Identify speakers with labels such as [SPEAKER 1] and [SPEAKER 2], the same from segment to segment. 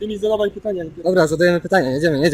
[SPEAKER 1] Ty mi zadawaj pytania.
[SPEAKER 2] Dobra, zadajemy pytania, jedziemy.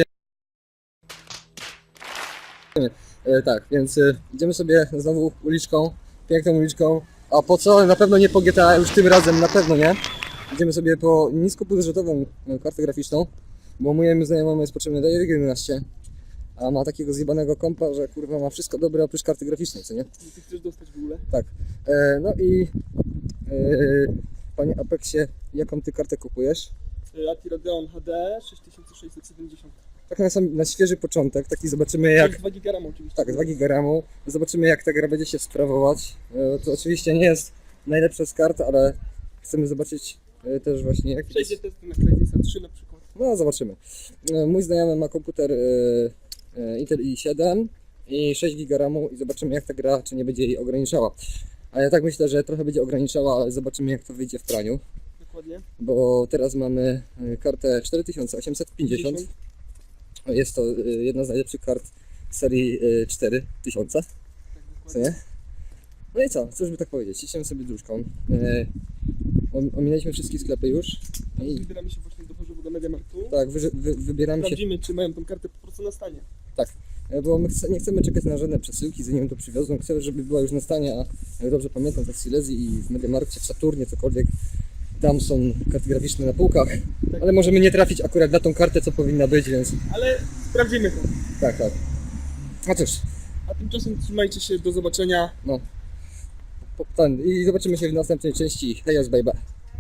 [SPEAKER 2] Tak, więc idziemy sobie znowu uliczką, piękną uliczką. A po co? Na pewno nie po GTA, już tym razem na pewno nie. Idziemy sobie po niskobudżetową kartę graficzną, bo mojemu znajomemu jest potrzebny DirectX 11, a ma takiego zjebanego kompa, że kurwa ma wszystko dobre oprócz karty graficznej, co nie?
[SPEAKER 1] Ty chcesz dostać w ogóle?
[SPEAKER 2] Tak. No i panie Apexie, jaką ty kartę kupujesz?
[SPEAKER 1] Ati Radeon HD 6670.
[SPEAKER 2] Tak na świeży początek, taki zobaczymy jak...
[SPEAKER 1] 2 GB RAM oczywiście.
[SPEAKER 2] Tak, 2 GB RAM. Zobaczymy jak ta gra będzie się sprawować. To oczywiście nie jest najlepsza z kart, ale chcemy zobaczyć też właśnie jak...
[SPEAKER 1] Przejdzie testy na Crysis 3 na przykład.
[SPEAKER 2] No zobaczymy. Mój znajomy ma komputer Intel i7 i 6 GB RAMu i zobaczymy jak ta gra, czy nie będzie jej ograniczała. A ja tak myślę, że trochę będzie ograniczała, ale zobaczymy jak to wyjdzie w praniu.
[SPEAKER 1] Dokładnie.
[SPEAKER 2] Bo teraz mamy kartę 4850. Jest to jedna z najlepszych kart serii 4000.
[SPEAKER 1] Tak,
[SPEAKER 2] Co
[SPEAKER 1] dokładnie.
[SPEAKER 2] nie? No i co? Cóż by tak powiedzieć? Idziemy sobie dróżką. Ominęliśmy wszystkie sklepy już. I
[SPEAKER 1] Wybieramy się właśnie do Chorzowa do Mediamarktu.
[SPEAKER 2] tak, wybieramy się.
[SPEAKER 1] Sprawdzimy, czy mają tą kartę po prostu na stanie.
[SPEAKER 2] Tak, bo my nie chcemy czekać na żadne przesyłki, zanim to przywiozą. Chcemy, żeby była już na stanie, a jak dobrze pamiętam, to w Silesii i w Mediamarkcie, w Saturnie, cokolwiek. Tam są karty graficzne na półkach,
[SPEAKER 1] Tak.
[SPEAKER 2] ale możemy nie trafić akurat na tą kartę, co powinna być, więc
[SPEAKER 1] Ale sprawdzimy to.
[SPEAKER 2] tak. A cóż,
[SPEAKER 1] A tymczasem trzymajcie się, do zobaczenia.
[SPEAKER 2] no. I zobaczymy się w następnej części. Hejos, baby.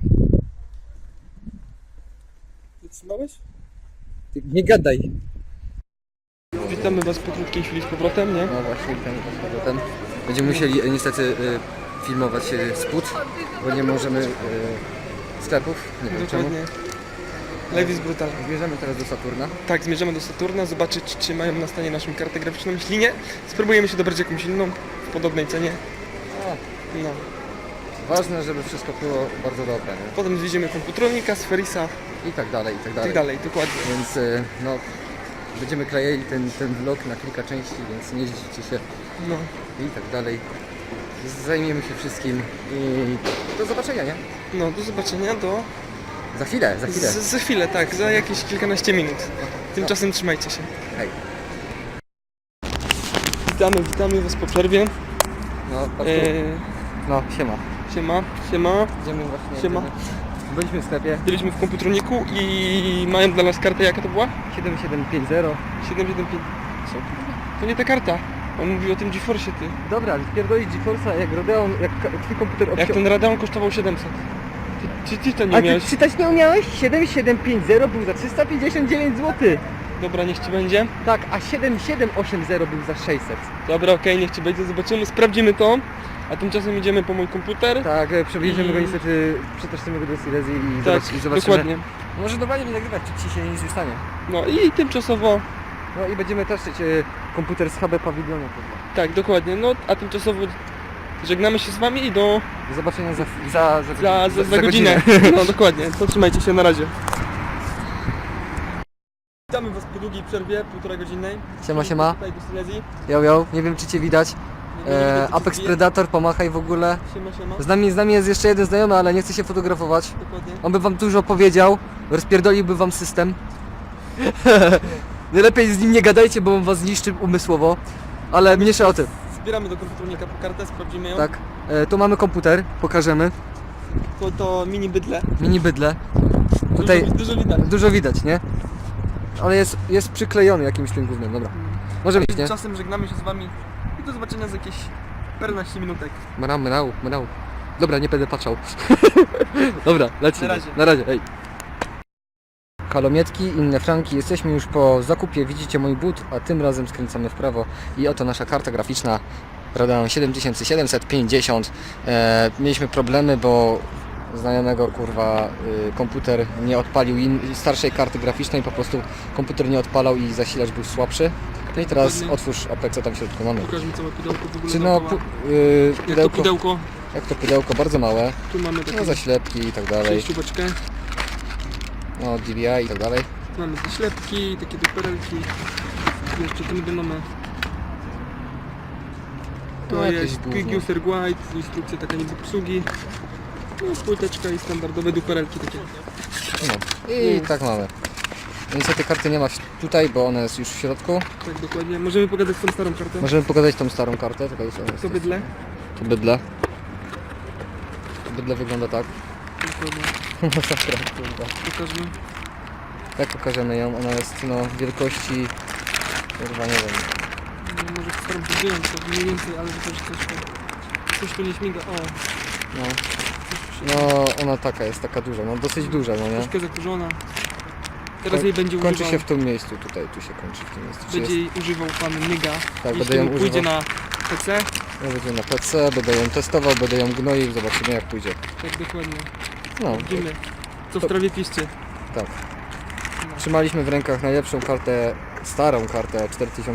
[SPEAKER 1] Wytrzymałeś?
[SPEAKER 2] Ty nie gadaj.
[SPEAKER 1] Witamy Was po krótkiej chwili z powrotem, nie?
[SPEAKER 2] No właśnie, z powrotem. Będziemy musieli niestety filmować spód, bo nie możemy sklepów. Nie wiem czemu.
[SPEAKER 1] Dokładnie. Live jest brutalny.
[SPEAKER 2] Zmierzamy teraz do Saturna.
[SPEAKER 1] Tak, zmierzamy do Saturna, zobaczyć czy mają na stanie naszą kartę graficzną. Jeśli nie, spróbujemy się dobrać jakąś inną w podobnej cenie. No.
[SPEAKER 2] Ważne, żeby wszystko było bardzo dobre, nie?
[SPEAKER 1] Potem zwiedziemy komputronika, Sferisa
[SPEAKER 2] I tak dalej, i tak
[SPEAKER 1] i
[SPEAKER 2] dalej.
[SPEAKER 1] tak dalej, dokładnie.
[SPEAKER 2] Więc no, będziemy klejeli ten vlog na kilka części, więc nie zdziwicie się
[SPEAKER 1] No.
[SPEAKER 2] i tak dalej. Zajmiemy się wszystkim i do zobaczenia, nie?
[SPEAKER 1] No, do zobaczenia
[SPEAKER 2] Za chwilę.
[SPEAKER 1] za chwilę, tak, za jakieś kilkanaście minut. Tymczasem trzymajcie się.
[SPEAKER 2] Hej.
[SPEAKER 1] Witamy Was po przerwie.
[SPEAKER 2] No,
[SPEAKER 1] Eee,
[SPEAKER 2] no, siema.
[SPEAKER 1] siema.
[SPEAKER 2] Idziemy właśnie.
[SPEAKER 1] Siema.
[SPEAKER 2] Byliśmy w sklepie
[SPEAKER 1] Byliśmy w komputroniku i mają dla nas kartę, jaka to była?
[SPEAKER 2] 7750.
[SPEAKER 1] 775. Co? To nie ta karta. On mówi o tym GeForce'ie, ty.
[SPEAKER 2] Dobra, spierdolić GeForce'a jak Radeon, jak twój komputer
[SPEAKER 1] Jak ten Radeon kosztował 700. Ty to nie
[SPEAKER 2] A ty
[SPEAKER 1] miałeś?
[SPEAKER 2] czytać nie umiałeś? 7750 był za 359 zł.
[SPEAKER 1] Dobra, niech Ci będzie.
[SPEAKER 2] Tak, a 7780 był za 600.
[SPEAKER 1] Dobra, okej, niech Ci będzie, zobaczymy, sprawdzimy to. A tymczasem idziemy po mój komputer.
[SPEAKER 2] Tak, przewieziemy go
[SPEAKER 1] I-
[SPEAKER 2] niestety, przeteścimy go do Silesii i,
[SPEAKER 1] Tak,
[SPEAKER 2] i zobaczymy.
[SPEAKER 1] dokładnie.
[SPEAKER 2] Może normalnie nie nagrywać, czy ci się nic nie stanie.
[SPEAKER 1] No i tymczasowo,
[SPEAKER 2] No i będziemy teszyć komputer z HB Pawilionu.
[SPEAKER 1] tak, dokładnie. No, a tymczasowo żegnamy się z Wami i do
[SPEAKER 2] Do zobaczenia za
[SPEAKER 1] godzinę. No, dokładnie. To trzymajcie się, na razie. Witamy Was po długiej przerwie, 1,5 godzinnej.
[SPEAKER 2] Siema.
[SPEAKER 1] Tutaj do Silesii.
[SPEAKER 2] Yo, nie wiem czy cię widać.
[SPEAKER 1] Nie wiem, czy
[SPEAKER 2] Apex
[SPEAKER 1] cię
[SPEAKER 2] Predator, pomachaj w ogóle.
[SPEAKER 1] Siema.
[SPEAKER 2] Z nami jest jeszcze jeden znajomy, ale nie chce się fotografować.
[SPEAKER 1] Dokładnie.
[SPEAKER 2] On by wam dużo powiedział, rozpierdoliłby wam system. Najlepiej z nim nie gadajcie, bo on was zniszczy umysłowo. Ale mniejsza o tym.
[SPEAKER 1] Zbieramy do komputernika po kartę, sprawdzimy ją.
[SPEAKER 2] Tak. Tu mamy komputer, pokażemy.
[SPEAKER 1] To mini bydle.
[SPEAKER 2] Mini bydle. Tutaj
[SPEAKER 1] Dużo widać.
[SPEAKER 2] dużo widać, nie? Ale jest przyklejony jakimś tym gównem, dobra. Może być, nie?
[SPEAKER 1] Tymczasem żegnamy się z Wami i do zobaczenia za jakieś 14 minutek.
[SPEAKER 2] Mrał. Dobra, nie będę patrzał. Dobra, lecimy.
[SPEAKER 1] Na razie.
[SPEAKER 2] Hej. Halomietki, inne franki, jesteśmy już po zakupie, widzicie mój but, a tym razem skręcamy w prawo i oto nasza karta graficzna Radeon 7750. Mieliśmy problemy, bo znajomego kurwa komputer nie odpalił starszej karty graficznej, po prostu komputer nie odpalał i zasilacz był słabszy. No i teraz
[SPEAKER 1] Dokładnie.
[SPEAKER 2] otwórz Apexa, tam w środku mamy.
[SPEAKER 1] Pokaż mi całe pudełko w ogóle.
[SPEAKER 2] Czy no,
[SPEAKER 1] dookoła. Jak to pudełko?
[SPEAKER 2] Jak to pudełko, bardzo małe,
[SPEAKER 1] Tu mamy taką
[SPEAKER 2] no zaślepki i tak dalej,
[SPEAKER 1] przejścióweczkę.
[SPEAKER 2] no DVI i tak dalej.
[SPEAKER 1] Tu mamy zaślepki, takie duperelki. Jeszcze tu niby mamy. To
[SPEAKER 2] No, jakieś
[SPEAKER 1] jest Quick
[SPEAKER 2] gówno.
[SPEAKER 1] User Guide, instrukcja taka niby obsługi. No, płyteczka i standardowe duperelki takie.
[SPEAKER 2] No i tak mamy. Niestety karty nie ma tutaj, bo ona jest już w środku.
[SPEAKER 1] Tak, dokładnie. Możemy pogadać tą starą kartę?
[SPEAKER 2] Możemy pokazać tą starą kartę. Tylko jest,
[SPEAKER 1] To bydle?
[SPEAKER 2] To bydle. To bydle wygląda tak.
[SPEAKER 1] Dokładnie.
[SPEAKER 2] Masakra, kurwa.
[SPEAKER 1] Pokażmy.
[SPEAKER 2] Jak pokażemy ją? Ona jest no wielkości... Kurwa nie wiem.
[SPEAKER 1] No, może postaram się wyjąć to mniej więcej, ale to też coś tu nie śmiga. O,
[SPEAKER 2] No.
[SPEAKER 1] coś tu się...
[SPEAKER 2] No ona taka jest, taka duża, no dosyć duża, no nie?
[SPEAKER 1] Troszkę zakurzona. Teraz jej będzie
[SPEAKER 2] Kończy
[SPEAKER 1] używał...
[SPEAKER 2] się w tym miejscu, tutaj, tu się kończy w tym miejscu. Czy
[SPEAKER 1] Będzie
[SPEAKER 2] jest...
[SPEAKER 1] jej używał pan Nyga.
[SPEAKER 2] Tak,
[SPEAKER 1] Jeśli
[SPEAKER 2] będę ją
[SPEAKER 1] mu pójdzie
[SPEAKER 2] używał.
[SPEAKER 1] na PC,
[SPEAKER 2] Ja będę na PC, będę ją testował, będę ją gnoił, zobaczymy jak pójdzie.
[SPEAKER 1] tak dokładnie.
[SPEAKER 2] No,
[SPEAKER 1] Widzimy, co w
[SPEAKER 2] to-
[SPEAKER 1] trawie piszcie.
[SPEAKER 2] tak. Trzymaliśmy w rękach najlepszą kartę, starą kartę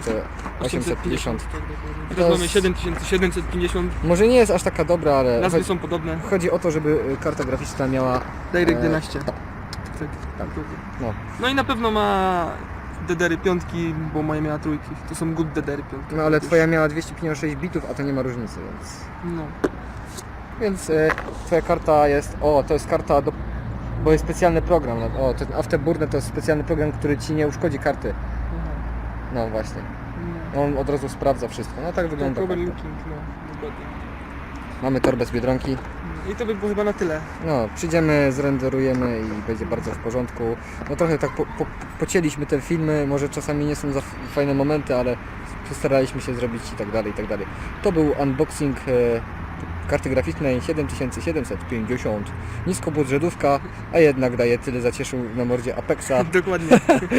[SPEAKER 2] 4850.
[SPEAKER 1] Tak, dokładnie.
[SPEAKER 2] To
[SPEAKER 1] Teraz mamy
[SPEAKER 2] jest-
[SPEAKER 1] 7750.
[SPEAKER 2] Może nie jest aż taka dobra, ale
[SPEAKER 1] Nazwy są podobne.
[SPEAKER 2] chodzi o to, żeby karta graficzna miała...
[SPEAKER 1] Direct
[SPEAKER 2] e,
[SPEAKER 1] 11.
[SPEAKER 2] tak.
[SPEAKER 1] Tak.
[SPEAKER 2] Tak. No.
[SPEAKER 1] No i na pewno ma DDR-y piątki, bo moja miała trójki. To są good DDR-y piątki.
[SPEAKER 2] No ale twoja miała 256 bitów, a to nie ma różnicy, więc...
[SPEAKER 1] No.
[SPEAKER 2] Więc twoja karta jest... O, to jest karta do... Bo jest specjalny program. No, o, ten Afterburner to jest specjalny program, który ci nie uszkodzi karty. No właśnie. On od razu sprawdza wszystko. No tak wygląda
[SPEAKER 1] Tak,
[SPEAKER 2] karta.
[SPEAKER 1] overlooking, no, dokładnie.
[SPEAKER 2] Mamy torbę z Biedronki.
[SPEAKER 1] I to by było chyba na tyle.
[SPEAKER 2] No, przyjdziemy, zrenderujemy i będzie bardzo w porządku. No trochę tak pocięliśmy te filmy, może czasami nie są za fajne momenty, ale postaraliśmy się zrobić i tak dalej, i tak dalej. To był unboxing karty graficznej 7750. Niskobudżetówka, a jednak daje tyle zacieszył na mordzie Apexa,
[SPEAKER 1] Dokładnie,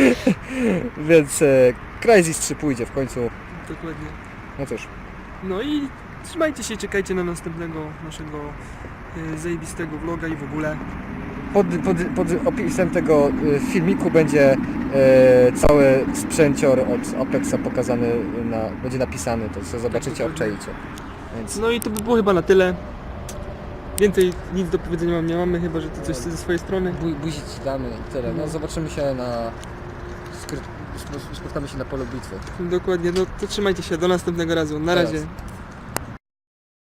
[SPEAKER 2] więc Crysis 3 pójdzie w końcu.
[SPEAKER 1] dokładnie.
[SPEAKER 2] No cóż,
[SPEAKER 1] No i trzymajcie się, czekajcie na następnego naszego zajebistego vloga i w ogóle.
[SPEAKER 2] pod opisem tego filmiku będzie cały sprzęcior od Apexa pokazany, będzie napisany, to co zobaczycie, obczaicie. Więc
[SPEAKER 1] No i to by było chyba na tyle. Więcej nic do powiedzenia nie mamy, chyba że ty coś ze swojej strony.
[SPEAKER 2] buzi ci damy i tyle. No zobaczymy się spotkamy się na polu bitwy.
[SPEAKER 1] Dokładnie, no to trzymajcie się, do następnego razu. Na
[SPEAKER 2] Teraz.
[SPEAKER 1] razie.